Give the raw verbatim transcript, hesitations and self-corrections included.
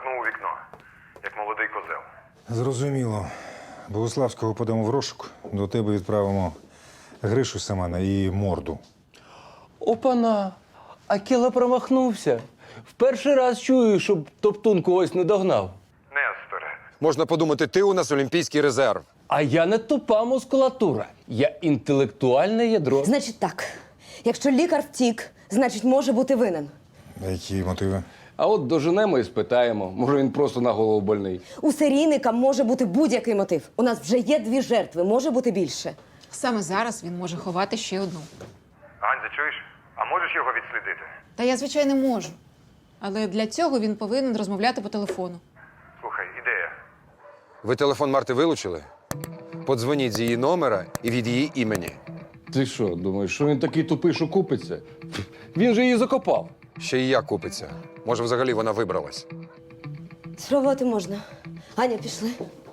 визиркнув у вікно, як молодий козел. Зрозуміло. Богуславського подамо в розшук, до тебе відправимо Гришу Семена і морду. Опана! Акела промахнувся. В перший раз чую, щоб Топтун когось не догнав. Несторе. Можна подумати, ти у нас олімпійський резерв. А я не тупа мускулатура. Я інтелектуальне ядро. Значить так, якщо лікар втік, значить може бути винен. А які мотиви? А от доженемо і спитаємо. Може, він просто на голову больний. У серійника може бути будь-який мотив. У нас вже є дві жертви, може бути більше. Саме зараз він може ховати ще одну. Ганзя, чуєш? А можеш його відслідити? Та я, звичайно, можу. Але для цього він повинен розмовляти по телефону. Слухай, ідея. Ви телефон Марти вилучили? Подзвоніть з її номера і від її імені. Ти що, думаєш, що він такий тупий, що купиться? Він же її закопав. Ще і я купиться. Може, взагалі вона вибралась. Спробувати можна. Аня, пішли.